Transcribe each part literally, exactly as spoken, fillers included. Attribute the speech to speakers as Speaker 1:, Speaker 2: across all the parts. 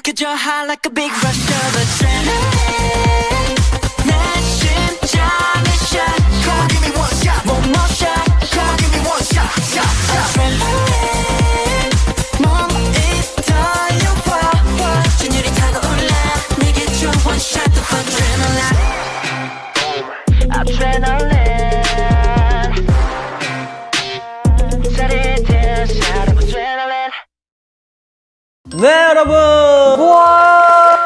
Speaker 1: Cause you're high like a big rush of adrenaline 내 심장이 shot Come on give me one shot One more shot Come on give me one shot shot shot Adrenaline 몸이 떨려와 진율이 타고 올라 내게 줘 one shot of adrenaline Adrenaline 짜릿해 shot of adrenaline
Speaker 2: 네 여러분
Speaker 3: 우와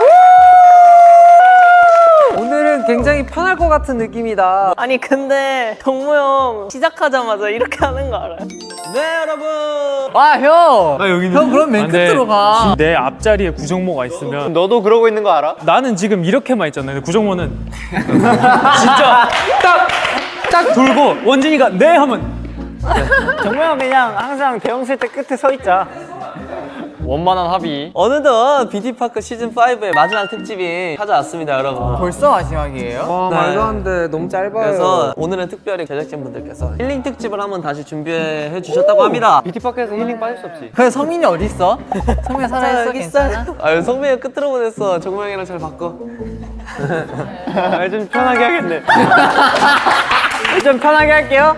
Speaker 3: 오늘은 굉장히 편할 것 같은 느낌이다.
Speaker 4: 아니 근데 동무 형 시작하자마자 이렇게 하는 거 알아요?
Speaker 2: 네 여러분
Speaker 3: 아형
Speaker 2: 아, 여기는?
Speaker 3: 형 그럼 맨
Speaker 5: 아, 근데
Speaker 3: 끝으로 가.
Speaker 5: 내 앞자리에 구정모가 있으면
Speaker 2: 너도 그러고 있는 거 알아?
Speaker 5: 나는 지금 이렇게만 있잖아. 근데 구정모는 진짜 딱 딱 돌고 원진이가 네 하면
Speaker 2: 정모야 그냥 항상 대형 세트 끝에 서 있자. 원만한 합의.
Speaker 3: 어느덧 비디파크 시즌 파이브의 마지막 특집이 찾아왔습니다 여러분.
Speaker 6: 벌써 마지막이에요?
Speaker 3: 와
Speaker 6: 네.
Speaker 3: 말도 안 돼. 너무 짧아요. 그래서 오늘은 특별히 제작진분들께서 힐링 특집을 한번 다시 준비해 주셨다고 합니다.
Speaker 2: 비티파크에서 힐링 빠질 수 없지.
Speaker 6: 그래 성민이 어디 있어? 성민이 살아있어? 괜찮아?
Speaker 3: 아유 성민이가 끝으로 보냈어. 정모형이랑 잘 바꿔.
Speaker 2: 아, 좀 편하게 하겠네. 좀 편하게 할게요.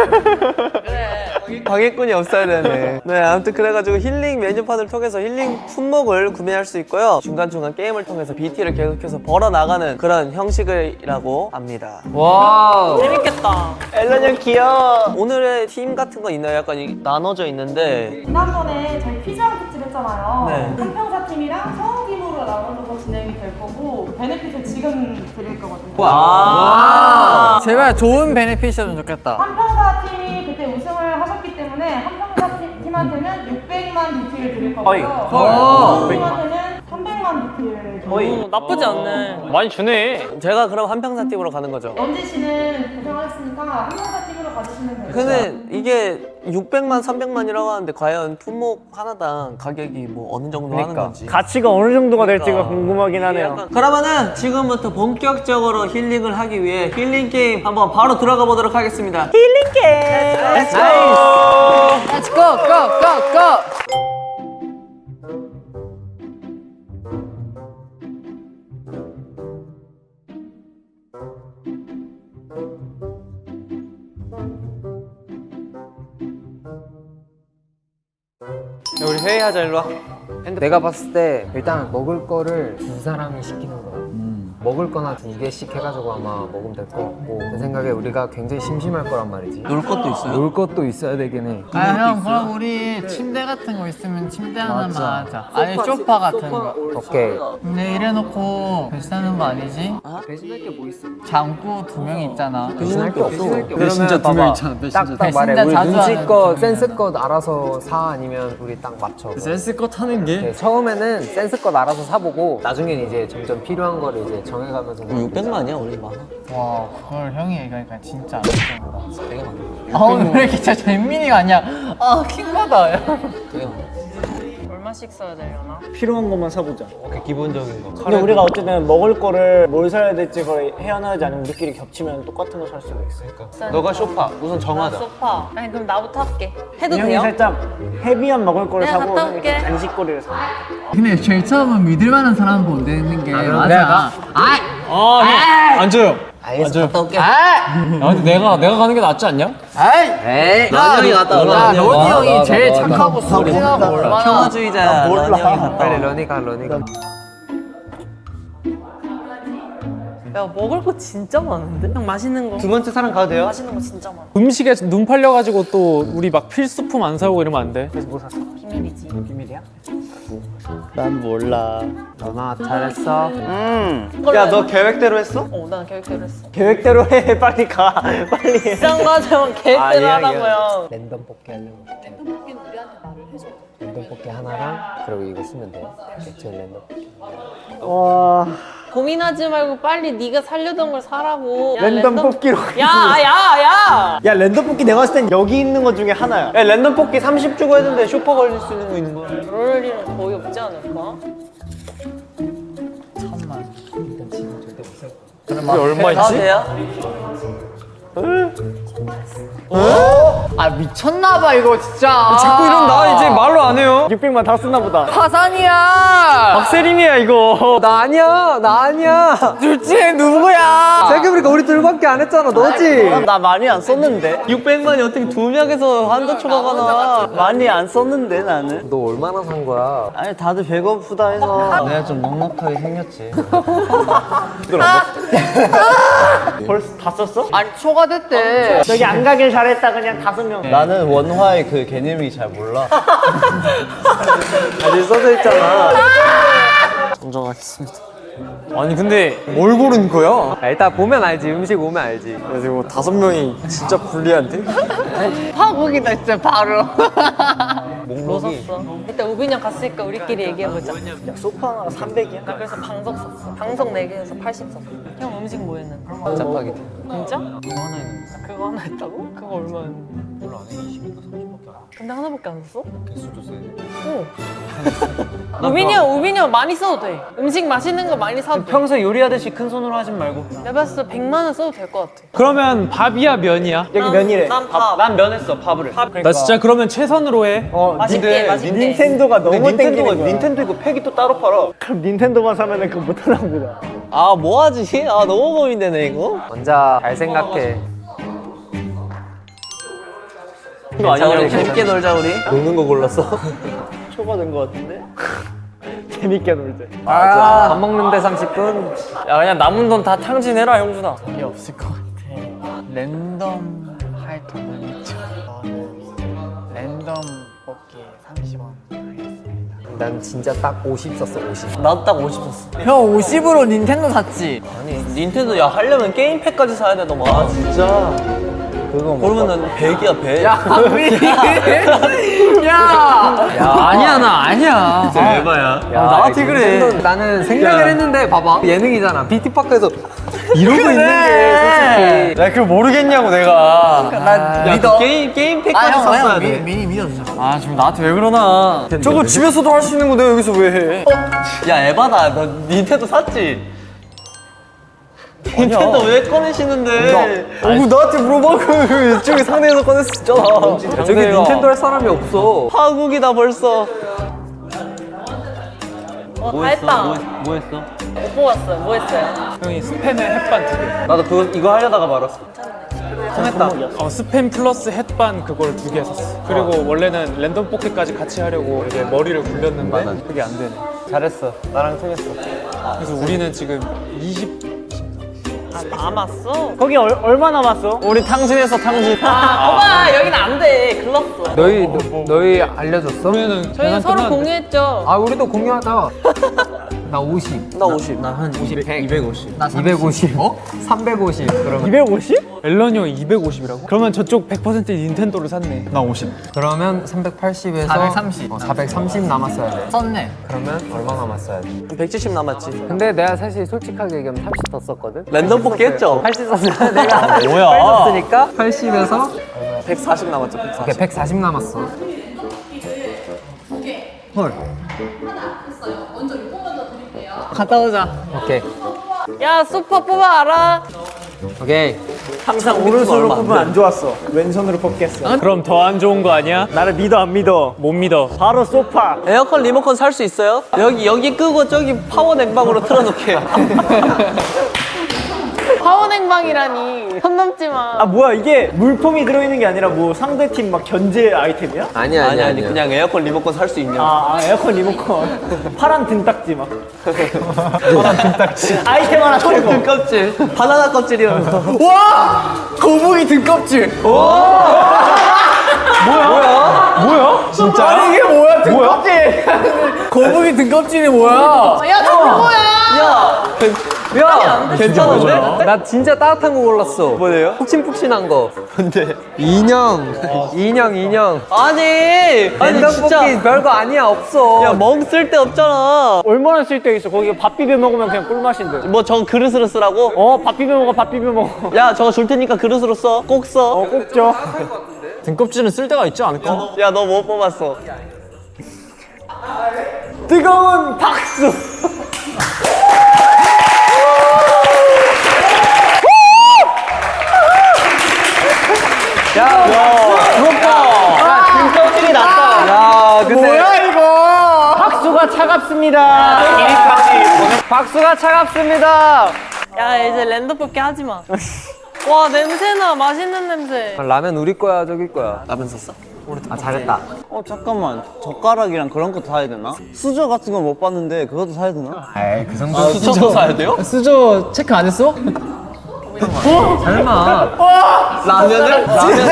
Speaker 3: 방해꾼이 없어야 되네. 네, 아무튼 그래가지고 힐링 메뉴판을 통해서 힐링 품목을 구매할 수 있고요. 중간중간 게임을 통해서 비티를 계속해서 벌어나가는 그런 형식이라고 합니다.
Speaker 6: 와우
Speaker 4: 재밌겠다.
Speaker 3: 앨런 형 귀여워. 오늘의 팀 같은 거 있나요? 약간 이- 나눠져 있는데
Speaker 7: 지난번에 저희 피자왕 특집 했잖아요.
Speaker 3: 네.
Speaker 7: 한평사 팀이랑 성우팀으로 나눠서 진행이 될 거고 베네핏을 지금 드릴 거거든요.
Speaker 3: 와.
Speaker 6: 제발 좋은 베네핏이었으면 좋겠다.
Speaker 7: 한평사 팀이 그때 우승을 하셨기 때문에 한평사 팀- 팀한테는 육백만 비티를 드릴
Speaker 2: 어이.
Speaker 7: 거고요.
Speaker 6: 헐.
Speaker 7: 팀한테는 삼백만 비티를 드릴 거예요.
Speaker 4: 오, 나쁘지 않네.
Speaker 2: 많이 주네.
Speaker 3: 제가 그럼 한평사 팀으로 가는 거죠.
Speaker 7: 런지 씨는 고생하셨으니까 한평사 팀으로 가주시면 돼요.
Speaker 3: 근데 이게 육백만, 삼백만이라고 하는데 과연 품목 하나당 가격이 뭐 어느 정도 하는 건지.
Speaker 2: 가치가 어느 정도가 될지가
Speaker 3: 그러니까.
Speaker 2: 궁금하긴 하네요.
Speaker 3: 약간- 그러면은 지금부터 본격적으로 힐링을 하기 위해 힐링 게임 한번 바로 들어가 보도록 하겠습니다. 힐링 게임. Let's go.
Speaker 6: Let's go go go go.
Speaker 2: 야, 우리 회의하자 일로 와.
Speaker 8: 내가 봤을 때 일단 먹을 거를 두 사람이 시키는 거야. 먹을 거나 두 개씩 해가지고 아마 먹으면 될 것 같고 내 생각에 우리가 굉장히 심심할 거란 말이지.
Speaker 3: 놀 것도 있어요?
Speaker 8: 놀 것도 있어야 되긴 해.
Speaker 6: 아 형 그럼 우리 침대 같은 거 있으면 침대 하나만 하자. 아니 소파 같은 거.
Speaker 8: 오케이.
Speaker 6: 근데 이래놓고 배신하는 거 아니지?
Speaker 8: 배신할 게 뭐 있어?
Speaker 6: 장구 두 명 있잖아.
Speaker 8: 배신할 게 없어.
Speaker 2: 배신자 두 명 있잖아.
Speaker 8: 딱딱 말해.
Speaker 6: 배신자
Speaker 8: 우리
Speaker 6: 자주
Speaker 8: 눈치껏
Speaker 6: 하는
Speaker 8: 센스껏 알아서 사 아니면 우리 딱 맞춰.
Speaker 2: 센스껏 하는 게.
Speaker 8: 네, 처음에는 센스껏 알아서 사보고 나중에는 이제 점점 필요한 거를 이제 정해가면서
Speaker 3: 육백만이야 원래 많아.
Speaker 6: 와 그걸 형이 얘기하니까 진짜 안 되잖아.
Speaker 3: 되게 많아.
Speaker 6: 아 오늘 왜 이렇게 진짜 잼민이가 아니야. 아 킹받아.
Speaker 3: 되게 많아.
Speaker 4: 얼마씩 써야 되려나?
Speaker 2: 필요한 것만 사보자.
Speaker 3: 오케이 기본적인 거.
Speaker 2: 근데 우리가 어쨌든 먹을 거를 뭘 사야 될지 그걸 헤어나지 않으면 우리끼리 겹치면 똑같은 거 살 수가 있어.
Speaker 3: 너가 쇼파 우선 정하자.
Speaker 4: 소파. 아니 그럼 나부터 할게. 해도
Speaker 2: 형이
Speaker 4: 돼요?
Speaker 2: 살짝 헤비한 먹을 거를
Speaker 4: 내가
Speaker 2: 사고
Speaker 4: 갔다
Speaker 2: 형이
Speaker 4: 올게.
Speaker 2: 간식거리를 사.
Speaker 6: 근데 제일 처음은 믿을 만한 사람 보내는 게
Speaker 8: 내가
Speaker 5: 안 줘요.
Speaker 8: 알겠어. 갔다 올게.
Speaker 5: 근데 내가 내가 가는 게 낫지 않냐?
Speaker 8: 에이.
Speaker 3: 런이 형이 갔다 올라.
Speaker 6: 야 로니 형이 제일 착하고 순진하고 얼마나
Speaker 3: 평화주의자야. 런이 형이 갔다
Speaker 8: 빨리
Speaker 3: 와.
Speaker 8: 러니가 러니가.
Speaker 4: 야 먹을 거 진짜 많은데? 형 맛있는 거.
Speaker 2: 두 번째 사람 가도 돼요?
Speaker 4: 맛있는 거 진짜 많아.
Speaker 5: 음식에 눈 팔려가지고 또 우리 막 필수품 안 사오고 이러면 안 돼.
Speaker 2: 그래서 뭐 샀어?
Speaker 4: 비밀이지.
Speaker 2: 비밀이야?
Speaker 3: 난 몰라.
Speaker 8: 러나 잘했어.
Speaker 2: 음. 야 너 계획대로 했어?
Speaker 4: 어, 난 계획대로 했어.
Speaker 2: 계획대로 해. 빨리 가. 빨리 해.
Speaker 4: 비싼 거 하자면 계획대로
Speaker 2: 아니야,
Speaker 4: 하라고요.
Speaker 8: 랜덤 뽑기 하려고. 랜덤 뽑기는 우리한테 말을 해줘. 랜덤 뽑기 하나랑 그리고 이거 쓰면 돼. 액션 랜덤 뽑기.
Speaker 2: 와.
Speaker 4: 고민하지 말고 빨리 네가 살려던 걸 사라고. 야,
Speaker 2: 랜덤 뽑기로
Speaker 4: 야, 야, 야!
Speaker 2: 야 랜덤 뽑기 내가 봤을 땐 여기 있는 것 중에 하나야. 야 랜덤 뽑기 삼십 주고 했는데 쇼퍼 걸릴 수 있는 거 있는 거야.
Speaker 4: 그럴 일은 거의 없지 않을까?
Speaker 6: 천만.
Speaker 5: 우리 얼마
Speaker 4: 다
Speaker 5: 있지?
Speaker 4: 돼요?
Speaker 6: 아 미쳤나봐 이거 진짜.
Speaker 2: 자꾸 이런다. 이제 말로 안 해요. 육백만 다 쓰나 보다.
Speaker 6: 파산이야.
Speaker 2: 박세림이야 이거.
Speaker 3: 나 아니야 나 아니야
Speaker 6: 둘 중에 누구야?
Speaker 3: 생각해보니까 우리 둘밖에 안 했잖아 너지?
Speaker 2: 나 많이 안 썼는데.
Speaker 3: 육백만이 어떻게 두 명에서 한자 초과가 나
Speaker 2: 많이 안 썼는데 나는.
Speaker 8: 너 얼마나 산 거야?
Speaker 2: 아니 다들 배고프다 해서.
Speaker 3: 내가 좀 넉넉하게 생겼지
Speaker 2: 벌써 다 썼어?
Speaker 6: 아니 초과됐대.
Speaker 2: 저기 안 가길 잘했다 그냥 다섯 명.
Speaker 3: 나는 원화의 그 개념이 잘 몰라 아직 써져 있잖아 정정하겠습니다
Speaker 2: 아니 근데 뭘 고른 거야?
Speaker 3: 아, 일단 보면 알지 음식 오면 알지
Speaker 2: 그래서 뭐 다섯 명이 진짜 불리한데?
Speaker 6: 파국이다 진짜 바로.
Speaker 4: 뭐 샀어? 일단 우빈이 형 갔으니까 우리끼리 얘기해보자.
Speaker 2: 소파 하나가 삼백이야?
Speaker 4: 나 그래서 방석 샀어. 방석 네 개에서 팔십 샀어. 형 음식 뭐 했는데?
Speaker 3: 짜파게티
Speaker 4: 진짜? 그거 하나 했는데. 그거 하나 했다고? 그거 얼마였는데? 별로 안 해. 이십인가 삼십밖에 안 해. 근데 하나밖에 안 샀어? 개수도 세. 어. 우빈이 형, 우빈이 형 많이 써도 돼. 음식 맛있는 거 많이 사도 돼.
Speaker 2: 평소에 요리하듯이 큰 손으로 하진 말고.
Speaker 4: 내가 봤을 때 백만 원 써도 될 것 같아.
Speaker 5: 그러면 밥이야 면이야?
Speaker 2: 여기 면이래.
Speaker 4: 난 밥.
Speaker 2: 난 면했어 밥을.
Speaker 5: 나 진짜 그러면 최선으로 해.
Speaker 2: 어,
Speaker 4: 맛있게, 맛있게.
Speaker 2: 닌텐도가 너무
Speaker 3: 닌텐도가-
Speaker 2: 땡기는 거야. 닌텐도 이거 팩이 또 따로 팔아. 그럼 닌텐도만 사면은 그거 못 하나 보다.
Speaker 3: 아 뭐하지? 아 너무 고민되네 이거
Speaker 8: 먼저 잘 생각해.
Speaker 3: 이거 아니야 우리 재밌게 놀자 우리 노는 거 골랐어
Speaker 2: 초과된 거 같은데? 재밌게 놀자.
Speaker 8: 아, 밥 먹는데 삼십 분.
Speaker 2: 야 그냥 남은 돈 다 탕진해라 형준아.
Speaker 6: 이게 없을 것 같아. 랜덤 할 돈은 있죠. 저는 랜덤 뽑기 삼십 원 하겠습니다.
Speaker 8: 난 진짜 딱 오십 썼어 오십.
Speaker 3: 나도 딱 오십 썼어
Speaker 6: 형 오십으로 닌텐도 샀지.
Speaker 3: 아니 닌텐도 야 하려면 게임팩까지 사야 되더만 아 진짜 그거 그러면은 백이야 백
Speaker 6: 야, 야, 아니야 나 아니야.
Speaker 3: 진짜 에바야
Speaker 8: 야,
Speaker 3: 나한테 그래
Speaker 8: 닌텐도 나는 생각을 했는데 봐봐 예능이잖아. 비티파크에서 이러고 있는 게 솔직히.
Speaker 2: 나 그걸 모르겠냐고 내가.
Speaker 6: 난
Speaker 3: 야,
Speaker 6: 믿어.
Speaker 3: 그 게임 게임팩까지
Speaker 6: 아, 형,
Speaker 3: 샀어야
Speaker 6: 형,
Speaker 3: 돼
Speaker 6: 미, 미니 믿어주자.
Speaker 2: 아 지금 나한테 왜 그러나? 저거 집에서도 할 수 있는 거 내가 여기서 왜 해?
Speaker 3: 야 에바다 너 닌텐도 샀지? 닌텐도 왜 꺼내시는데
Speaker 2: 어, 나한테 물어봐. 그 이쪽에 상대에서 꺼냈었잖아.
Speaker 8: 저기 닌텐도 할 사람이 없어.
Speaker 3: 파국이다 벌써
Speaker 4: 어, 다 했다.
Speaker 3: 뭐 했어?
Speaker 4: 못 뽑았어요. 뭐 했어요?
Speaker 5: 형이 스팸에 햇반 두 개.
Speaker 3: 나도 그거 이거 하려다가 말았어
Speaker 5: 어, 스팸 플러스 햇반 그걸 두 개 샀어. 그리고 원래는 랜덤 포켓까지 같이 하려고 이제 머리를 굴렸는데 그게 안 되네.
Speaker 3: 잘했어 나랑 통했어
Speaker 5: 그래서 우리는 지금 이십
Speaker 4: 아, 남았어?
Speaker 2: 거기 얼, 얼마 남았어?
Speaker 3: 우리 탕진했어 탕진
Speaker 4: 아, 오빠 여기는 안 돼. 글렀어.
Speaker 8: 너희 너, 너희 알려줬어?
Speaker 5: 우리는
Speaker 4: 저희
Speaker 5: 계산
Speaker 4: 서로
Speaker 5: 끝났는데.
Speaker 4: 공유했죠.
Speaker 8: 아 우리도 공유하자. 나 오십.
Speaker 3: 나 오십
Speaker 2: 한 오십, 백, 이백오십.
Speaker 6: 나
Speaker 8: 이백오십. 어? 삼백오십. 그러면
Speaker 2: 이백오십?
Speaker 5: 앨런이 형이 이백오십이라고? 그러면 저쪽 백 퍼센트 닌텐도를 샀네.
Speaker 2: 나 오십.
Speaker 8: 그러면 삼백팔십에서
Speaker 6: 사백삼십.
Speaker 8: 어, 사백삼십 남았어야 돼.
Speaker 6: 썼네.
Speaker 8: 그러면 얼마 남았어야 돼?
Speaker 3: 백칠십 남았지
Speaker 8: 근데 내가 사실 솔직하게 얘기하면 삼십 더 썼거든.
Speaker 3: 랜덤 뽑기 했죠?
Speaker 8: 팔십 썼으니까 내가
Speaker 3: 뭐야?
Speaker 8: 팔 썼으니까 팔십에서
Speaker 3: 백사십 남았죠 백사십
Speaker 8: 오케이 백사십 남았어.
Speaker 6: 갔다 오자.
Speaker 8: 오케이
Speaker 4: 야, 슈퍼 뽑아 알아?
Speaker 8: 오케이.
Speaker 3: 항상
Speaker 2: 오른손으로
Speaker 3: 얼마 안
Speaker 2: 뽑으면
Speaker 3: 돼.
Speaker 2: 안 좋았어. 왼손으로 뽑겠어.
Speaker 5: 그럼 더 안 좋은 거 아니야?
Speaker 2: 나를 믿어 안 믿어?
Speaker 5: 못 믿어.
Speaker 2: 바로 소파.
Speaker 3: 에어컨 리모컨 살 수 있어요? 여기 여기 끄고 저기 파워 냉방으로 틀어놓게
Speaker 4: 파워냉방이라니. 선 넘지 마.
Speaker 2: 아 뭐야 이게 물품이 들어있는 게 아니라 뭐 상대팀 막 견제 아이템이야?
Speaker 8: 아니야
Speaker 3: 아니
Speaker 8: 아니야
Speaker 3: 아니 그냥 에어컨 리모컨 살 수 있냐
Speaker 2: 아, 아 에어컨 리모컨. 파란 등딱지 막. 파란 등딱지. 아이템 하나 털고.
Speaker 3: 등껍질 바나나 껍질이라면서
Speaker 2: 와! 거북이 등껍질.
Speaker 5: 뭐야?
Speaker 2: 진짜? 아니 이게 뭐야 등껍질. 거북이 등껍질이 뭐야?
Speaker 4: 야, 저 그거야.
Speaker 3: 야! 야! 괜찮은데?
Speaker 8: 나 진짜 따뜻한 거 골랐어.
Speaker 3: 뭐예요?
Speaker 8: 푹신푹신한 거.
Speaker 3: 뭔데?
Speaker 8: 인형. 인형 인형.
Speaker 3: 아니! 아니
Speaker 8: 랜덤
Speaker 3: 진짜
Speaker 8: 뽑기 별거 아니야 없어.
Speaker 3: 야 멍 쓸 데 없잖아
Speaker 2: 얼마나 쓸데 있어? 거기 밥 비벼 먹으면 그냥 꿀맛인데.
Speaker 3: 뭐 저거 그릇으로 쓰라고?
Speaker 2: 어, 밥 비벼 먹어, 밥 비벼 먹어.
Speaker 3: 야 저거 줄 테니까 그릇으로 써 꼭 써
Speaker 2: 어, 꼭 줘.
Speaker 3: 등껍질은 쓸 데가 있지 않을까? 야 너 뭐 뽑았어?
Speaker 2: 뜨거운 박수.
Speaker 3: 야, 야.
Speaker 2: 그거 박수가 차갑습니다. 박수가 차갑습니다.
Speaker 4: 야 이제 랜덤 뽑기 하지 마. 와 냄새나 맛있는 냄새.
Speaker 8: 라면 우리 거야 저기 거야.
Speaker 3: 라면 샀어?
Speaker 8: 아 잘했다.
Speaker 2: 어 잠깐만 젓가락이랑 그런 거 사야 되나? 수저 같은 건 못 봤는데 그것도 사야 되나?
Speaker 8: 에이 그 정도.
Speaker 3: 아, 수저 사야 돼요?
Speaker 6: 수저 체크 안 했어?
Speaker 8: 설마.
Speaker 3: 라면을? 라면?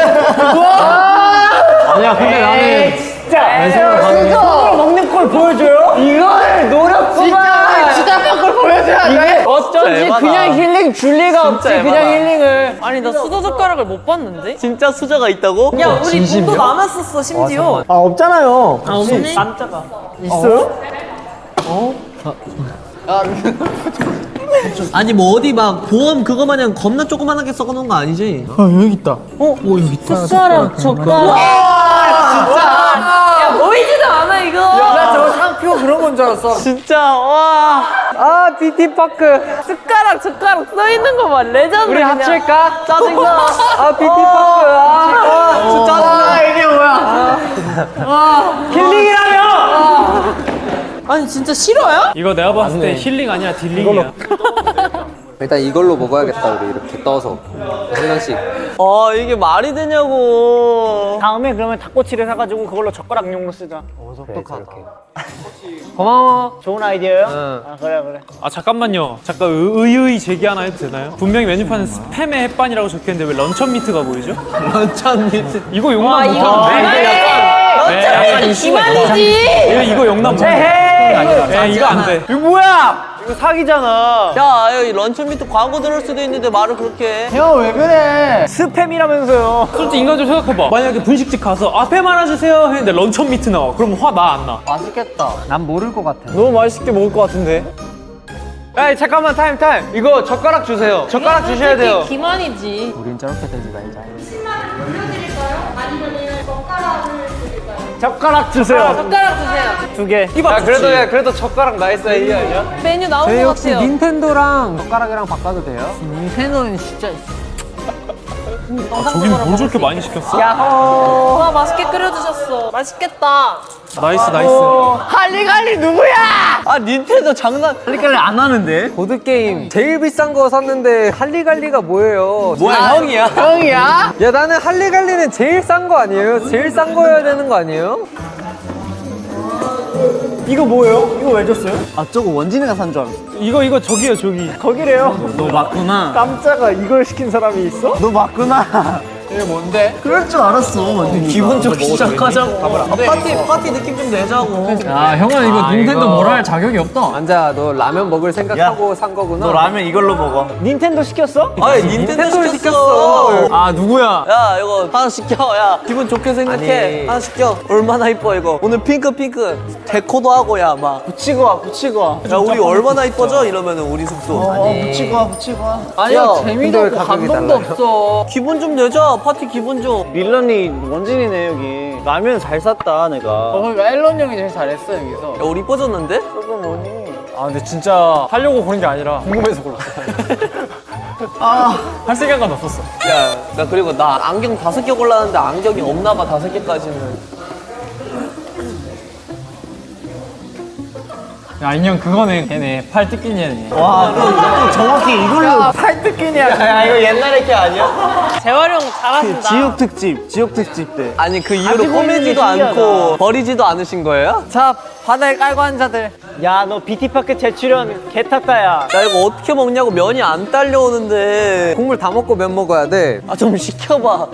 Speaker 2: 아니야 근데 나는 진짜 수저로 먹는 걸 보여줘요? 이걸 노렸구만. 진짜 걸 보여줘야 돼. 어쩐지
Speaker 3: 에바다.
Speaker 2: 그냥 힐링 줄 리가 없지.
Speaker 3: 에바다.
Speaker 2: 그냥 힐링을.
Speaker 4: 아니 나 수저 젓가락을 못 봤는데?
Speaker 3: 진짜 수저가 있다고?
Speaker 4: 야 우리 돈도 남았었어 심지어.
Speaker 2: 아 없잖아요.
Speaker 4: 아 없네?
Speaker 2: 깜짝아. 있어요?
Speaker 3: 아니 뭐 어디 막 보험 그거 마냥 겁나 조그만하게 써놓은 거 아니지?
Speaker 4: 숟가락 젓가락. 야 보이지도 않아 이거.
Speaker 2: 나 저거 상표 그런 건 줄 알았어.
Speaker 3: 진짜 와.
Speaker 2: 아 비티파크.
Speaker 4: 숟가락 젓가락 써 있는 거 봐. 레전드.
Speaker 2: 우리
Speaker 4: 그냥.
Speaker 2: 합칠까?
Speaker 3: 짜증나.
Speaker 2: 아 비티파크. 아,
Speaker 3: 진짜 짜증나.
Speaker 2: 아 이게 뭐야? 아, 힐링이라며?
Speaker 4: 아니 진짜 싫어요?
Speaker 5: 이거 내가 봤을 때 힐링 아니야 딜링이야.
Speaker 8: 일단 이걸로 먹어야겠다 우리 이렇게 떠서 한 명씩.
Speaker 3: 아 이게 말이 되냐고.
Speaker 2: 다음에 그러면 닭꼬치를 사가지고 그걸로 젓가락용으로 쓰자.
Speaker 8: 그래, 저렇게.
Speaker 2: 고마워. 좋은 아이디어요?
Speaker 8: 응.
Speaker 2: 아 그래 그래.
Speaker 5: 아 잠깐만요. 잠깐 의- 의의 제기 하나 해도 되나요? 분명히 메뉴판에 스팸의 햇반이라고 적혀있는데 왜 런천 미트가 보이죠?
Speaker 3: 런천 미트.
Speaker 5: 이거 용납
Speaker 4: 와 이거
Speaker 5: 못하는데?
Speaker 4: 런천 기만이지.
Speaker 5: 이거, 이거 용납 못해. 예, 이거 안 돼.
Speaker 2: 이거 뭐야? 이거 사기잖아.
Speaker 3: 야 여기 런천 미트 광고 들을 수도 있는데 말을 그렇게 해.
Speaker 2: 형 왜 그래? 스팸이라면서요.
Speaker 5: 솔직히 인간적으로 생각해봐. 만약에 분식집 가서 앞에만 하나 주세요 했는데 런천 미트 나와. 그럼 화 나 안 나?
Speaker 2: 맛있겠다.
Speaker 8: 난 모를 것 같아.
Speaker 2: 너무 맛있게 먹을 것 같은데. 야 잠깐만 타임 타임. 이거 젓가락 주세요. 젓가락 주셔야 돼요.
Speaker 4: 기만이지.
Speaker 8: 우린 저렇게 되지 말자.
Speaker 2: 젓가락 주세요.
Speaker 4: 젓가락 주세요.
Speaker 2: 두 개. 야 그래도 야 그래도 젓가락 나이스 아이디어 아니야?
Speaker 4: 메뉴 나온
Speaker 8: 저희
Speaker 4: 것
Speaker 8: 혹시
Speaker 4: 같아요.
Speaker 8: 닌텐도랑 젓가락이랑 바꿔도 돼요?
Speaker 2: 닌텐도는 진짜.
Speaker 5: 아, 저긴 뭘 저렇게 많이 시켰어?
Speaker 2: 야호.
Speaker 4: 와 맛있게 끓여주셨어. 맛있겠다.
Speaker 5: 나이스 나이스.
Speaker 2: 할리갈리 누구야?
Speaker 3: 아 닌텐도 장난.
Speaker 2: 할리갈리 안 하는데?
Speaker 8: 보드 게임 제일 비싼 거 샀는데 할리갈리가 뭐예요?
Speaker 3: 뭐야 형이야?
Speaker 2: 형이야?
Speaker 8: 야 나는 할리갈리는 제일 싼 거 아니에요? 제일 싼 거여야 되는 거 아니에요?
Speaker 2: 이거 뭐예요? 이거 왜 줬어요? 아 저거 원진이가 산 줄 알았어.
Speaker 5: 이거 이거 저기요 저기.
Speaker 2: 거기래요. 너 맞구나. 깜짝아 이걸 시킨 사람이 있어? 너 맞구나. 이게 뭔데? 그럴 줄 알았어.
Speaker 3: 기분 좋게 시작하자고. 아, 파티 파티 느낌 좀 내자고.
Speaker 6: 아 형은 이거 닌텐도 뭐라 할 자격이 없다.
Speaker 8: 앉아 너 라면 먹을 생각하고 산 거구나.
Speaker 2: 너 라면 이걸로 먹어. 닌텐도 시켰어?
Speaker 3: 아니 닌텐도
Speaker 8: 닌텐도를
Speaker 3: 시켰어.
Speaker 8: 시켰어.
Speaker 2: 아 누구야?
Speaker 3: 야 이거 하나 시켜. 야 기분 좋게 생각해.
Speaker 8: 아니.
Speaker 3: 하나 시켜. 얼마나 이뻐 이거. 오늘 핑크 핑크 데코도 하고 야 막.
Speaker 2: 붙이고 와 붙이고 와.
Speaker 3: 야 우리 얼마나 이뻐져 이러면은 우리 숙소.
Speaker 2: 어 붙이고 와 붙이고 와.
Speaker 3: 아니야
Speaker 8: 재미도 없고 감동도 없어.
Speaker 3: 기분 좀 내자. 파티 기분 좀.
Speaker 2: 밀런이 원진이네 여기. 라면 잘 샀다 내가. 어 그러니까 앨런 형이 제일 잘했어 여기서.
Speaker 3: 야 우리 이뻐졌는데?
Speaker 2: 그거 뭐니?
Speaker 5: 아 근데 진짜 하려고 고른 게 아니라 궁금해서 골랐어. 할 생각은 없었어.
Speaker 3: 야, 나 그리고 나 안경 다섯 개 골랐는데 안경이 없나 봐 다섯 개까지는.
Speaker 5: 야 인형 그거네 걔네 팔 뜯긴 얘네.
Speaker 2: 와, 또, 또 정확히 이걸로 팔 뜯기냐? 야, 이거 옛날에 게 아니야?
Speaker 4: 재활용 잘하신다.
Speaker 2: 지옥 특집, 지옥 특집 때.
Speaker 3: 아니 그 이후로
Speaker 2: 가지고 있는
Speaker 3: 꼬매지도
Speaker 2: 게 신기하다.
Speaker 3: 않고 버리지도 않으신 거예요?
Speaker 2: 자, 바다에 깔고 한 자들. 야, 너 비티파크 재출연 개 탔다, 야.
Speaker 3: 나 이거 어떻게 먹냐고 면이 안 딸려오는데.
Speaker 8: 국물 다 먹고 면 먹어야 돼.
Speaker 3: 아 좀 시켜봐.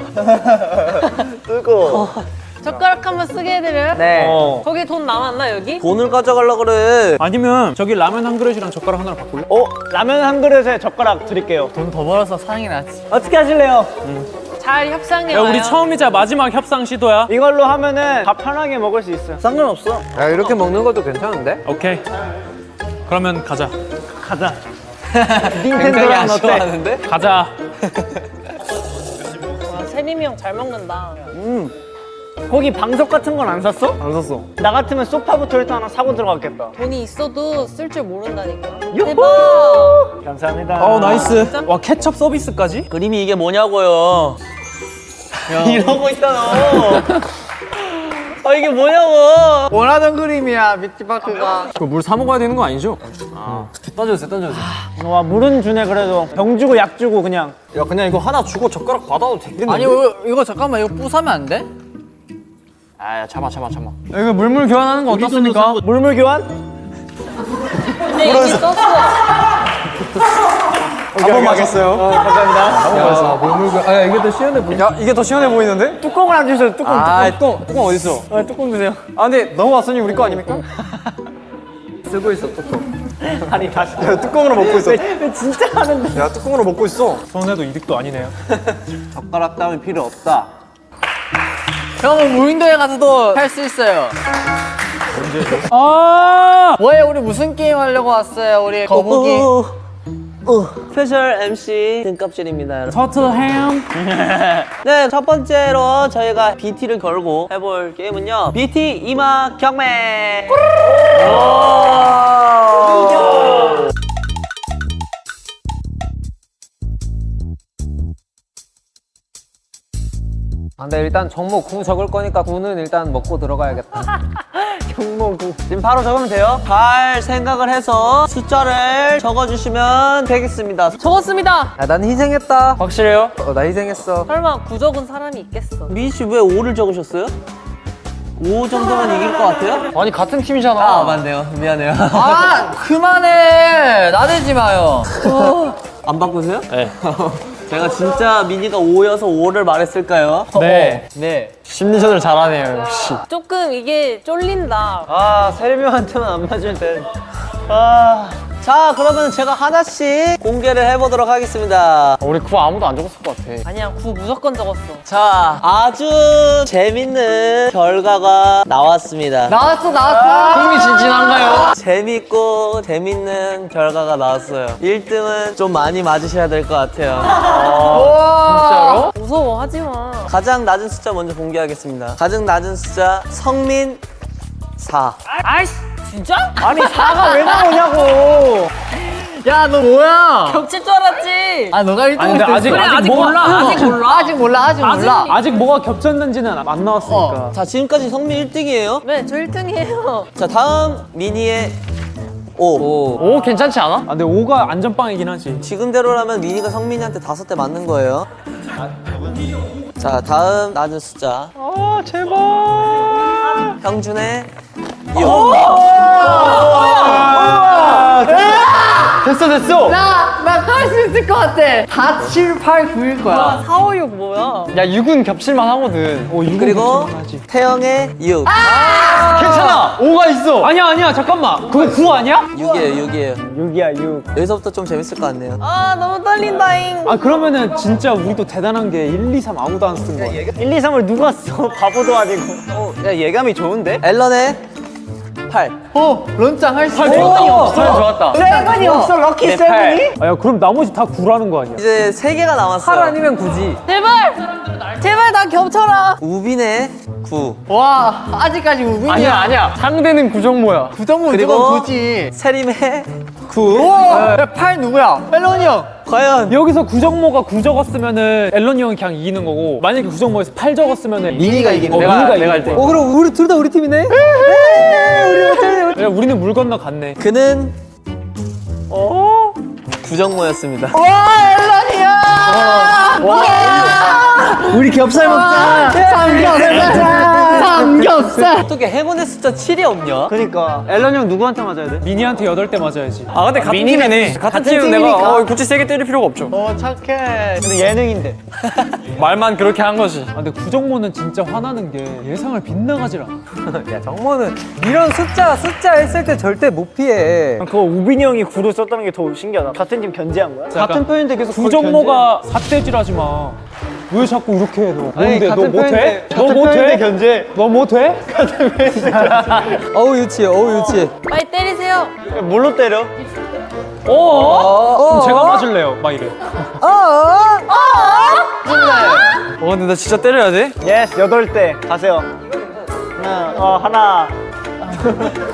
Speaker 2: 뜨거.
Speaker 4: 젓가락 한번 쓰게 해드려요?
Speaker 2: 네. 어.
Speaker 4: 거기 돈 남았나 여기?
Speaker 3: 돈을 가져가려 그래.
Speaker 5: 아니면 저기 라면 한 그릇이랑 젓가락 하나를 바꿀래?
Speaker 2: 어, 라면 한 그릇에 젓가락 드릴게요.
Speaker 6: 돈 더 벌어서 사랑이 나지.
Speaker 2: 어떻게 하실래요?
Speaker 4: 잘 협상해
Speaker 5: 야
Speaker 4: 와요.
Speaker 5: 우리 처음이자 마지막 협상 시도야.
Speaker 2: 이걸로 하면은 다 편하게 먹을 수 있어요. 상관없어.
Speaker 8: 야 이렇게 먹는 것도 괜찮은데?
Speaker 5: 오케이. 그러면 가자.
Speaker 2: 가자.
Speaker 3: 굉장히
Speaker 2: 닌텐도랑 어때?
Speaker 3: 아쉬워하는데?
Speaker 5: 가자.
Speaker 4: 와, 세림이 형 잘 먹는다.
Speaker 2: 거기 방석 같은 건 안 샀어?
Speaker 3: 안 샀어.
Speaker 2: 나 같으면 소파부터 일단 하나 사고 들어갔겠다.
Speaker 4: 돈이 있어도 쓸 줄 모른다니까.
Speaker 2: 유후!
Speaker 4: 대박.
Speaker 2: 감사합니다.
Speaker 5: 어 나이스. 와 케첩 서비스까지?
Speaker 3: 그림이 이게 뭐냐고요. 이러고 있다 너. 아 이게 뭐냐고.
Speaker 6: 원하던 그림이야 뷰티파크가.
Speaker 2: 물 사 먹어야 되는 거 아니죠?
Speaker 3: 던져주세요, 던져주세요.
Speaker 2: 와 물은 주네 그래도. 병 주고 약 주고 그냥. 야 그냥 이거 하나 주고 젓가락 받아도 되겠는데?
Speaker 6: 아니 이거, 이거 잠깐만 이거 부사면 안 돼?
Speaker 2: 아 참아 참아 참아. 이거 물물 교환하는 거 어떻습니까? 물물 교환?
Speaker 4: 근데 이미 썼어.
Speaker 2: 한 번 맞겠어요. 어, 감사합니다.
Speaker 8: 야, 물물 아, 야, 이게 더 시원해 보이.
Speaker 2: 야 이게 더 시원해 보이는데? 뚜껑을 안 주셔요. 뚜껑. 아, 뚜껑. 뚜껑 어디 있어? 아, 뚜껑 주세요. 아 근데 넘어왔으니 우리 거 아닙니까?
Speaker 8: 쓰고 있어, 뚜껑.
Speaker 2: 아니 다시. 야, 뚜껑으로 먹고 있어. 왜 진짜 하는데? 야 뚜껑으로 먹고 있어.
Speaker 5: 손해도 이득도 아니네요.
Speaker 3: 젓가락 따위 필요 없다.
Speaker 6: 형은 무인도에 가서도 할 수 있어요.
Speaker 2: 아.
Speaker 6: 뭐해 우리 무슨 게임 하려고 왔어요 우리 거북이.
Speaker 3: 오, 오, 스페셜 엠씨 등껍질입니다, 여러분.
Speaker 2: 터틀햄.
Speaker 3: 네, 첫 번째로 저희가 비티를 걸고 해볼 게임은요. 비티 이마 경매.
Speaker 8: 아, 근데 일단 정모 구 적을 거니까 구는 일단 먹고 들어가야겠다.
Speaker 3: 경모구. 지금 바로 적으면 돼요. 잘 생각을 해서 숫자를 적어주시면 되겠습니다.
Speaker 4: 적었습니다.
Speaker 8: 야, 난 희생했다.
Speaker 2: 확실해요?
Speaker 8: 어, 나 희생했어.
Speaker 4: 설마 구적은 사람이 있겠어.
Speaker 3: 미희 씨 왜 오를 적으셨어요? 오 정도면 이길 것 같아요?
Speaker 2: 아니 같은 팀이잖아.
Speaker 3: 아, 맞네요. 미안해요.
Speaker 6: 아 그만해 나대지 마요.
Speaker 3: 안 바꾸세요? 네. 제가 진짜 미니가 오여서 오를 말했을까요?
Speaker 2: 네. 네. 심리전을 잘하네요 역시.
Speaker 4: 조금 이게 쫄린다.
Speaker 2: 아 세림이한테만 안 맞을 땐. 아.
Speaker 3: 자, 그러면 제가 하나씩 공개를 해보도록 하겠습니다.
Speaker 2: 우리 그거 아무도 안 적었을 것 같아.
Speaker 4: 아니야, 구 무조건 적었어.
Speaker 3: 자, 아주 재밌는 결과가 나왔습니다.
Speaker 6: 나왔어 나왔어.
Speaker 2: 흥미진진한가요?
Speaker 3: 재밌고 재밌는 결과가 나왔어요. 일 등은 좀 많이 맞으셔야 될 것 같아요.
Speaker 2: 진짜로?
Speaker 4: 무서워, 하지 마.
Speaker 3: 가장 낮은 숫자 먼저 공개하겠습니다. 가장 낮은 숫자 성민 사.
Speaker 4: 아이씨, 진짜?
Speaker 2: 아니 사가 왜 나오냐고.
Speaker 6: 야 너 뭐야?
Speaker 4: 겹칠 줄 알았지.
Speaker 6: 아 너가 일 등
Speaker 2: 아니, 근데 아직-
Speaker 4: 그래, 아직
Speaker 2: 뭐가-
Speaker 4: 몰라, 아직 몰라.
Speaker 6: 아직 몰라 아직 몰라.
Speaker 2: 아직 뭐가 겹쳤는지는 안 나왔으니까.
Speaker 3: 자, 지금까지 성민 일 등이에요.
Speaker 4: 네, 저 일 등이에요.
Speaker 3: 자, 다음 미니의 오.
Speaker 2: 오 괜찮지 않아? 아 근데 오가 안전빵이긴 하지.
Speaker 3: 지금대로라면 미니가 성민이한테 다섯 대 맞는 거예요. 자, 다음 낮은 숫자.
Speaker 2: 아 제발.
Speaker 3: 형준의 육.
Speaker 2: 됐어 됐어.
Speaker 6: 나나할 수 있을 것 같아. 다 칠, 팔, 구일 거야.
Speaker 4: 사, 오, 육 뭐야?
Speaker 2: 야 육은 겹칠만 하거든. 오 육은
Speaker 3: 그리고
Speaker 2: 겹칠만 하지.
Speaker 3: 태영의 육.
Speaker 2: 괜찮아. 오가 있어. 아니야 아니야 잠깐만. 그거 구 아니야?
Speaker 3: 육이에요, 육이에요.
Speaker 2: 육이야 육.
Speaker 3: 여기서부터 좀 재밌을 것 같네요.
Speaker 4: 아, 너무 떨린다잉.
Speaker 2: 아 그러면은 진짜 우리도 대단한 게 일, 이, 삼 아무도 안 쓴 거야. 일, 이, 삼을 누가 써? 바보도 아니고. 어, 야 예감이 좋은데?
Speaker 3: 앨런의 팔.
Speaker 6: 어 런짱 할 수
Speaker 2: 팔
Speaker 6: 있어.
Speaker 2: 좋았다. 팔 좋았다.
Speaker 6: 세븐이 없어
Speaker 2: 럭키 세븐이? 아야 그럼 나머지 다 구라는 거 아니야?
Speaker 3: 이제 세 개가 남았어요.
Speaker 8: 팔 아니면 구지.
Speaker 4: 제발! 제발 나 겹쳐라.
Speaker 3: 우빈의 구.
Speaker 6: 와 아직까지 우빈이야.
Speaker 2: 아니야 아니야. 상대는 구정모야.
Speaker 6: 구정모
Speaker 3: 그리고
Speaker 6: 누가 구지.
Speaker 3: 세림의 구.
Speaker 6: 와, 팔 누구야? 멜론이 형.
Speaker 3: 과연
Speaker 2: 여기서 구정모가 구 적었으면은 앨런이 형이 그냥 이기는 거고 만약에 구정모에서 팔 적었으면은
Speaker 6: 미니가 이기는
Speaker 2: 어,
Speaker 6: 거야.
Speaker 2: 미니가
Speaker 6: 내가
Speaker 2: 이기는
Speaker 6: 할
Speaker 2: 거.
Speaker 8: 그럼 우리 둘 다 우리 팀이네?
Speaker 2: 야 우리는 물 건너 갔네.
Speaker 3: 그는
Speaker 2: 어?
Speaker 3: 구정모였습니다.
Speaker 6: 와 멜론이야.
Speaker 8: 우리 겹살 먹자.
Speaker 6: 삼겹살. 삼겹살.
Speaker 3: 어떻게 행운의 숫자 칠이 없냐?
Speaker 2: 그니까 앨런 형 누구한테 맞아야 돼? 미니한테 여덟 대 맞아야지. 아 근데 같은
Speaker 8: 미니는-
Speaker 2: 팀이네. 같은 팀은 내가 어, 굳이 세게 때릴 필요가 없죠.
Speaker 6: 어 착해.
Speaker 2: 근데 예능인데 말만 그렇게 한 거지. 아 근데 구정모는 진짜 화나는 게 예상을 빗나가질 않아.
Speaker 8: 야, 정모는 이런 숫자, 숫자 했을 때 절대 못 피해.
Speaker 2: 그거 우빈이 형이 구를 썼다는 게 더 신기하다. 같은 팀 견제한 거야? 같은 편인데 계속 구정모가 삿대질하지 마. 왜 자꾸 이렇게 해 너? 뭔데? 너 못해? 너 못해? 견제. 너 못해?
Speaker 3: 어우 유치해, 어우 유치해.
Speaker 4: 빨리 때리세요.
Speaker 2: 뭘로 때려? 어? 그럼 제가 맞을래요. 막 이래. 어 근데 나 진짜 때려야 돼? 예스 여덟 대 가세요. 하나 어 하나.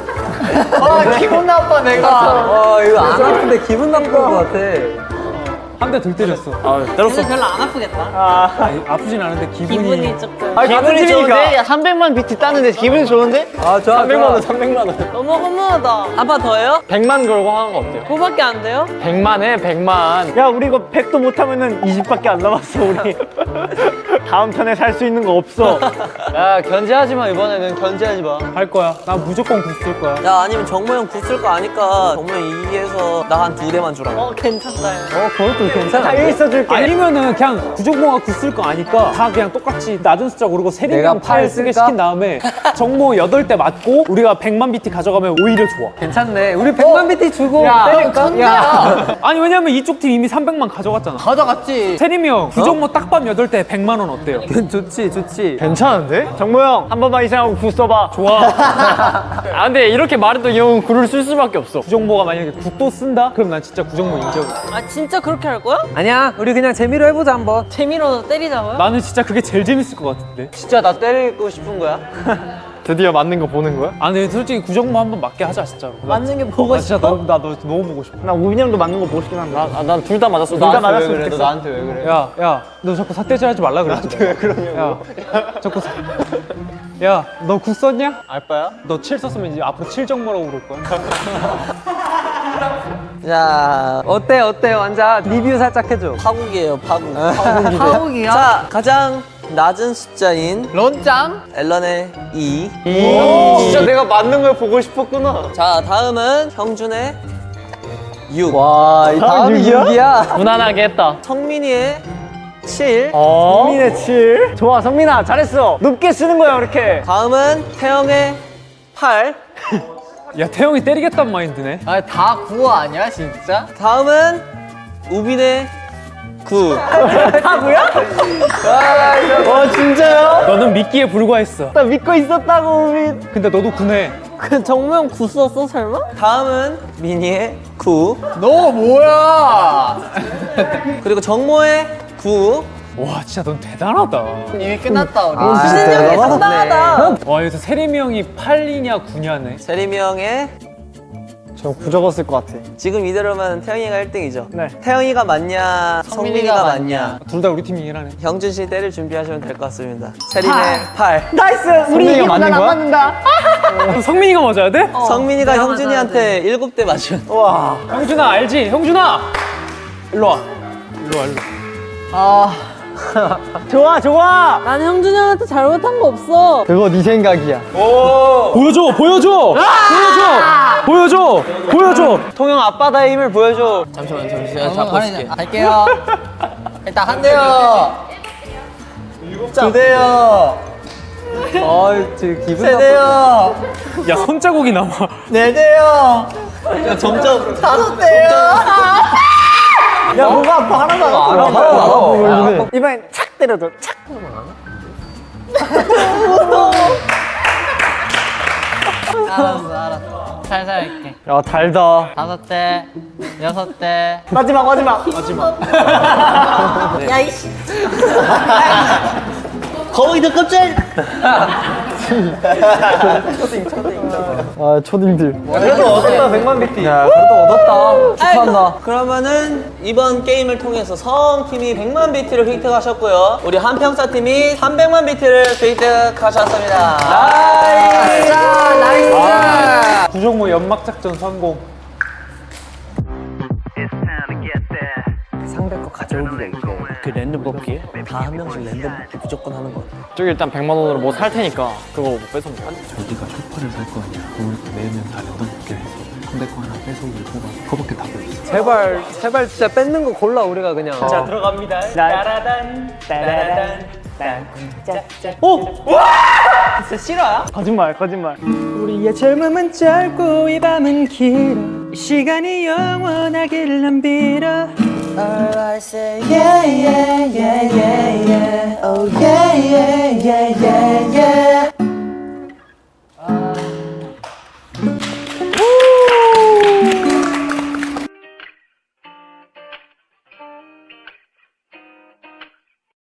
Speaker 6: 아 기분 나빠 내가.
Speaker 8: 어, 이거 안 아픈데 기분 나쁜 것 같아.
Speaker 5: 한 대 덜 때렸어.
Speaker 4: 근데 별로 안 아프겠다.
Speaker 5: 아니, 아프진 않은데 기분이.
Speaker 4: 기분이 조금.
Speaker 2: 아, 기분이 좋은데? 야, 삼백만 비트 따는데 기분이 좋은데?
Speaker 3: 아 좋아
Speaker 2: 삼백만 원, 삼백만 원.
Speaker 4: 너무 허무하다. 한 판 더 해요?
Speaker 2: 백만 걸고 하는 거 어때요?
Speaker 4: 그거밖에 안 돼요?
Speaker 2: 백만 해, 백만. 야, 우리 이거 백도 못하면은 이십밖에 안 남았어, 우리. 다음 턴에 살 수 있는 거 없어. 야, 견제하지 마, 이번에는 견제하지 마.
Speaker 5: 할 거야. 나 무조건 굳을 거야.
Speaker 3: 야 아니면 정모 형 굳을 거 아니까 정모 형 이기해서 나 한 두 대만 주라.
Speaker 4: 어, 괜찮다.
Speaker 2: 어, 그것도 괜찮아. 다 있어줄게.
Speaker 5: 아니면은 그냥 구정모가 굳을 거 아니까 다 그냥 똑같이 낮은 숫자 고르고 세리명
Speaker 8: 내가
Speaker 5: 팔
Speaker 8: 팔
Speaker 5: 쓰게
Speaker 8: 쓸까?
Speaker 5: 시킨 다음에 정모 여덟 대 맞고 우리가 백만 비티 가져가면 오히려 좋아.
Speaker 8: 괜찮네. 우리 백만 비티 주고 때릴까? 야,
Speaker 5: 아니 왜냐면 이쪽 팀 이미 삼백만 가져갔잖아.
Speaker 8: 가져갔지.
Speaker 5: 세리명 구정모 딱밤 여덟 대 백만 원 어때요?
Speaker 8: 좋지, 좋지.
Speaker 2: 괜찮은데? 정모 형, 한 번만 이상하고 구 써봐. 좋아. 아, 근데 이렇게 말해도 이 형은 구를 쓸 수밖에 없어.
Speaker 5: 구정모가 만약에 굿도 쓴다? 그럼 난 진짜 구정모 인정.
Speaker 4: 아, 진짜 그렇게 할 거야?
Speaker 8: 아니야, 우리 그냥 재미로 해보자 한번.
Speaker 4: 재미로 때리자고요?
Speaker 5: 나는 진짜 그게 제일 재밌을 것 같은데.
Speaker 2: 진짜 나 때리고 싶은 거야? 드디어 맞는 거 보는 거야?
Speaker 5: 아 근데 솔직히 구정모 한번 맞게 하자 진짜로.
Speaker 4: 맞는 게 보고
Speaker 5: 나 진짜 너, 나 너 너무 보고 싶어.
Speaker 2: 나 우빈이 형도 맞는 거 보고 싶긴 한데. 나, 난 둘 다 맞았어. 둘
Speaker 3: 아,
Speaker 2: 다 맞았으면 좋겠어. 나한테 왜 그래?
Speaker 5: 야, 야, 너 자꾸 삿대질 하지 말라 그랬지. 왜 그러냐고. 야, 자꾸 사... 야, 너 구 썼냐?
Speaker 2: 알바야?
Speaker 5: 너 칠 썼으면 이제 앞으로 칠정모라고 부를 거야.
Speaker 3: 자
Speaker 8: 어때, 어때? 완자 리뷰 살짝 해줘.
Speaker 3: 파국이에요 파국.
Speaker 4: 파국이야?
Speaker 3: 자 가장 낮은 숫자인
Speaker 8: 런짱?
Speaker 3: 앨런의 이.
Speaker 2: 진짜 내가 맞는 걸 보고 싶었구나.
Speaker 3: 자 다음은 형준의 육.
Speaker 2: 와, 이 다음이 육이야?
Speaker 8: 무난하게 했다.
Speaker 3: 성민이의 칠.
Speaker 2: 어? 성민의 칠. 좋아, 성민아, 잘했어. 높게 쓰는 거야, 이렇게.
Speaker 3: 다음은 태영의 팔.
Speaker 5: 야, 태영이 때리겠단 마인드네.
Speaker 8: 아, 다 구호 아니야, 진짜?
Speaker 3: 다음은 우빈의 구.
Speaker 2: 타구야? 와, 진짜요?
Speaker 5: 너는 미끼에 불과했어.
Speaker 2: 나 믿고 있었다고, 우빈.
Speaker 5: 근데 너도 구네.
Speaker 4: 그 정모형 구 썼어, 설마?
Speaker 3: 다음은 민희의 구.
Speaker 8: 너 뭐야?
Speaker 3: 그리고 정모의 구.
Speaker 5: 와, 진짜 넌 대단하다.
Speaker 8: 이미 끝났다, 우리.
Speaker 3: 아,
Speaker 4: 수진 형이
Speaker 3: 진짜
Speaker 4: 상당하다.
Speaker 5: 와, 여기서 세림이 형이 팔이냐 구냐네.
Speaker 3: 세림이 형의
Speaker 2: 저 구 적었을 것 같아.
Speaker 3: 지금 이대로면 태영이가 일 등이죠.
Speaker 2: 네.
Speaker 3: 태영이가 맞냐, 성민이가 맞냐.
Speaker 5: 둘 다 우리 팀이긴 하네.
Speaker 3: 형준 씨 때릴 준비하시면 될 것 같습니다. 세림의 팔.
Speaker 2: 나이스! 우리
Speaker 5: 성민이가 맞는 거야?
Speaker 2: 맞는다.
Speaker 5: 그럼 성민이가 맞아야 돼?
Speaker 3: 성민이가
Speaker 4: 내가
Speaker 3: 형준이한테 일곱 대 맞으면.
Speaker 2: 와.
Speaker 5: 형준아, 알지? 형준아! 일로 와. 일로 와, 일로 와.
Speaker 8: 아,
Speaker 2: 좋아, 좋아.
Speaker 4: 난 형준이 형한테 잘못한 거 없어.
Speaker 2: 그거 네 생각이야.
Speaker 5: 보여줘, 보여줘! 보여줘! 보여줘! 보여줘!
Speaker 2: 통영 앞바다의 힘을 보여줘.
Speaker 3: 잠시만, 잠시만. 잡고 있을게.
Speaker 8: 할게요. 일단 한 대요.
Speaker 2: 두 대요.
Speaker 8: 어이, 지금 기분
Speaker 2: 세
Speaker 8: 나쁘
Speaker 2: 대요.
Speaker 5: 야, 손자국이 남아.
Speaker 2: 네 대요.
Speaker 3: 야, 점점.
Speaker 2: 다섯 대요. 야, 뭐가 아파? 하나도 안 아파.
Speaker 8: 알아,
Speaker 2: 하나도 안 아파
Speaker 8: 알아.
Speaker 2: 보이는데. 이번엔 착 때려줘. 착.
Speaker 6: 알았어 알았어 살살 할게
Speaker 2: 야, 달다.
Speaker 6: 다섯 대 여섯 대
Speaker 2: 마지막, 마지막.
Speaker 4: 야, 이씨.
Speaker 3: 거기도 깜짝.
Speaker 2: 아, 초딩들. 그래도 얻었다, 백만 비티. 야, 그래도 얻었다. 축하한다.
Speaker 3: 그러면은 이번 게임을 통해서 서울팀이 백만 비트를 획득하셨고요. 우리 한평사 팀이 삼백만 비트를 획득하셨습니다.
Speaker 2: 나이스!
Speaker 5: 아, 구정모 연막작전 성공.
Speaker 8: 상대 거 가져오기가 있대.
Speaker 3: 그 랜덤 뽑기 다 한 명씩 랜덤 뽑기 무조건 하는 거 같아.
Speaker 2: 저기 일단 백만 원으로 뭐 살 테니까 그거 뭐 뺏으면 돼.
Speaker 9: 저기가 쇼파를 살 거 아니야. 그걸 매면 다 랜덤 뽑기를 해서 상대 거 하나 뺏어오기를 뽑아서 그거밖에 답이 없어.
Speaker 8: 제발, 제발 진짜 뺏는 거 골라, 우리가 그냥.
Speaker 2: 자, 들어갑니다. 따라단, 따라단, 딴, 짜짜. 오! 와! 진짜 실화야? 거짓말, 거짓말.
Speaker 6: 우리의 젊음은 짧고 이 밤은 길어 이 시간이 영원하길 난 빌어
Speaker 1: All I say, yeah, yeah, yeah, yeah, yeah, oh yeah, yeah.